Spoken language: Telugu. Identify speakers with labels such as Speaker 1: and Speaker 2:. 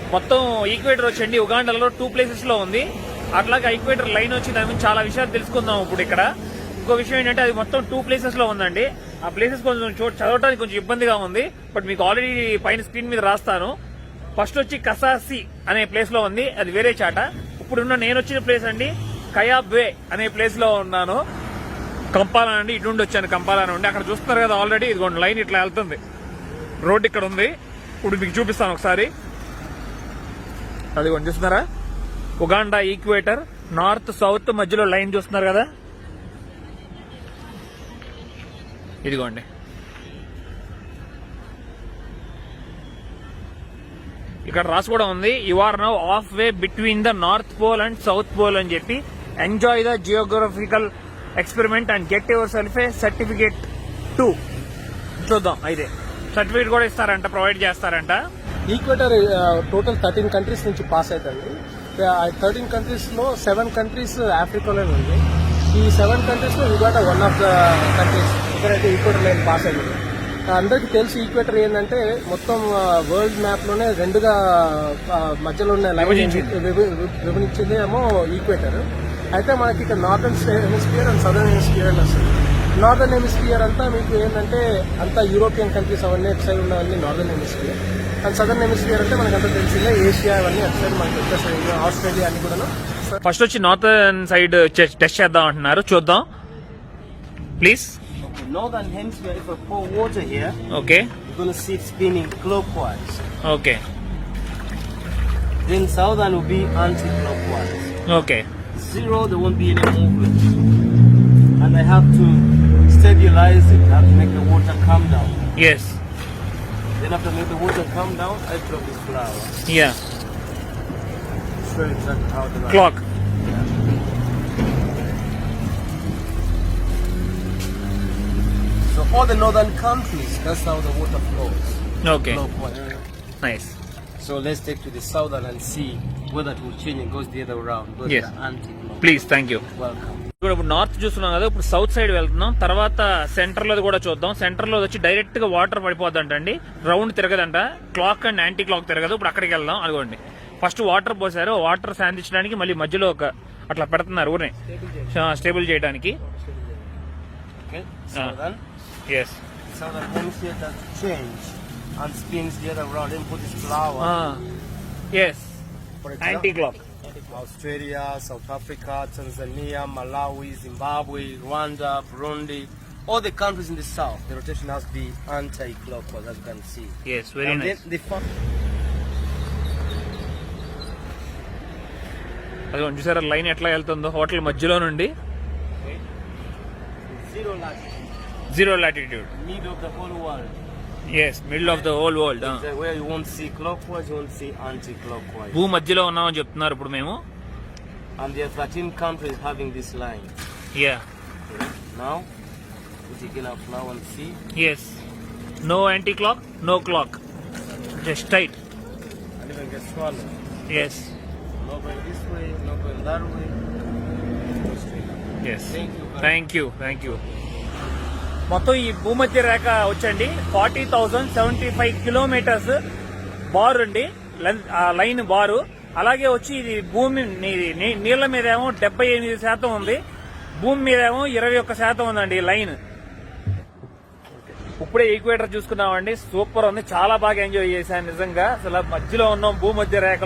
Speaker 1: మొత్తం ఈక్వేటర్ వచ్చండి ఉగాండాలో 2 ప్లేసెస్ లో ఉంది. అట్లాగే ఈక్వేటర్ లైన్ వచ్చి దాని గురించి చాలా విషయాలు తెలుసుకుందాం ఇప్పుడు ఇక్కడ. ఇంకో విషయం ఏంటంటే అది మొత్తం 2 ప్లేసెస్ లో ఉందండి. ఆ ప్లేసెస్ కొంచెం చదవడానికి కొంచెం ఇబ్బందిగా ఉంది, బట్ మీకు ఆల్రెడీ పైన స్క్రీన్ మీద రాస్తాను. ఫస్ట్ వచ్చి కసాసి అనే ప్లేస్ లో ఉంది, అది వేరే చాట. ఇప్పుడున్న నేను వచ్చిన ప్లేస్ అండి కయాబే అనే ప్లేస్ లో ఉన్నాను. కంపాలా అండి, ఇటు నుండి వచ్చాను కంపాలా నుండి. అక్కడ చూస్తున్నారు కదా ఆల్రెడీ ఇదిగోండి లైన్ ఇట్లా వెళ్తుంది, రోడ్ ఇక్కడ ఉంది. ఇప్పుడు మీకు చూపిస్తాను ఒకసారి. అదిగోండి చూస్తున్నారా, ఉగాండా ఈక్వేటర్ నార్త్ సౌత్ మధ్యలో లైన్ చూస్తున్నారు కదా, ఇదిగోండి. ఇక్కడ రాసి కూడా ఉంది, you are now half way between the north pole and south pole అని చెప్పి. Enjoy the geographical experiment and get yourself a certificate 2. చూద్దాం, అయితే సర్టిఫికేట్ కూడా ఇస్తారంట, ప్రొవైడ్ చేస్తారంట.
Speaker 2: ఈక్వేటర్ టోటల్ 13 కంట్రీస్ నుంచి పాస్ అవుతుంది. 13 కంట్రీస్ లో 7 కంట్రీస్ ఆఫ్రికాలోనే ఉంది. ఈ 7 కంట్రీస్ లో Uganda one of the countries ఎక్కడైతే ఈక్వేటర్ లైన్ పాస్ అయింది. అందరికీ తెలిసి ఈక్వేటర్ ఏంటంటే మొత్తం వరల్డ్ మ్యాప్ లోనే రెండుగా మధ్యలో ఉన్న విభజించింది ఏమో ఈక్వేటర్. అయితే మనకి ఇక్కడ northern hemisphere and southern hemisphere అని వస్తుంది. నార్థన్ హెమిస్ఫియర్ అంతా మీకు ఏంటంటే అంతా యూరోపియన్ కంట్రీస్ అవన్నీ అటు సైడ్ ఉన్నవన్నీ northern hemisphere. And southern hemisphere అంటే మనకు అంతా తెలిసిందే ఏషియా అవన్నీ అటు సైడ్ మనకి వచ్చేసరికి ఆస్ట్రేలియా అన్ని కూడా.
Speaker 1: ఫస్ట్ వచ్చి నార్థన్ సైడ్ టెస్ట్ చేద్దాం అంటున్నారు, చూద్దాం please.
Speaker 3: Northern hemisphere, if I pour water here,
Speaker 1: okay,
Speaker 3: you're going to see it spinning clockwise.
Speaker 1: Okay.
Speaker 3: Then southern will be anti-clockwise.
Speaker 1: Okay.
Speaker 3: Zero, there won't be any movement. And I have to stabilize it. I have to make the water come down.
Speaker 1: Yes.
Speaker 3: Then after make the water come down, I drop this flower.
Speaker 1: Yeah.
Speaker 3: Show you exactly how to
Speaker 1: Clock.
Speaker 3: So all the northern countries, that's how the water flows.
Speaker 1: Okay.
Speaker 3: Clockwise.
Speaker 1: Nice.
Speaker 3: So let's take to the southern and see whether it will change and goes the other round. Goes
Speaker 1: Yes.
Speaker 3: the anti-clockwise.
Speaker 1: Please, thank you.
Speaker 3: Welcome.
Speaker 1: ఇప్పుడు నార్త్ చూస్తున్నాం కదా, ఇప్పుడు సౌత్ సైడ్ వెళ్తున్నాం. తర్వాత సెంటర్ లో కూడా చూద్దాం. సెంటర్ లో వచ్చి డైరెక్ట్ గా వాటర్ పడిపోద్దంటండి, రౌండ్ తిరగదంట. క్లాక్ అండ్ యాంటీ క్లాక్ తిరగదు. ఇప్పుడు అక్కడికి వెళ్దాం. అదిగోండి ఫస్ట్ వాటర్ పోసారు, వాటర్ శాంతించడానికి మళ్ళీ మధ్యలో ఒక అట్లా పెడుతున్నారు ఊరిని స్టేబుల్ చేయడానికి.
Speaker 3: Okay. Southern.
Speaker 1: Yes.
Speaker 3: Southern hemisphere does change and spins the other round. Then put this flower.
Speaker 1: Yes.
Speaker 3: For
Speaker 1: anti clock.
Speaker 3: Australia, South Africa, Tanzania, Malawi, Zimbabwe, Rwanda, Burundi, all the countries in the south, the rotation has to be anti-clockwise, as you can see.
Speaker 1: Yes, very
Speaker 3: and
Speaker 1: nice. అదిగోండి చూసారా లైన్ ఎట్లా వెళ్తుందో హోటల్ మధ్యలో నుండి.
Speaker 3: Zero latitude.
Speaker 1: Zero latitude.
Speaker 3: Middle of the whole world.
Speaker 1: Yes, middle of the whole world.
Speaker 3: Where you won't see clockwise, you won't see anti-clockwise.
Speaker 1: భూ మధ్యలో ఉన్నామని చెప్తున్నారు ఇప్పుడు మేము.
Speaker 3: And there are 13 countries having this line.
Speaker 1: Yeah.
Speaker 3: Okay. Now, we take in our flower and see.
Speaker 1: Yes. No anti-clock, no clock. Just tight.
Speaker 3: And even get swallowed.
Speaker 1: Yes.
Speaker 3: Not going this way, not going that way. Go straight up.
Speaker 1: Yes.
Speaker 3: Thank you.
Speaker 1: Thank you. మొత్తం ఈ భూమధ్య రేఖ వచ్చండి 40,075 కిలోమీటర్స్ బారు అండి, లైన్ బారు. అలాగే వచ్చి ఇది భూమి నీళ్ల మీద ఏమో 78% ఉంది, భూమి మీద ఏమో 21% ఉందండి లైన్. ఇప్పుడే ఈక్వేటర్ చూసుకున్నామండి, సూపర్ ఉంది, చాలా బాగా ఎంజాయ్ చేశాను నిజంగా. అసలు మధ్యలో ఉన్నాం భూమధ్య రేఖ.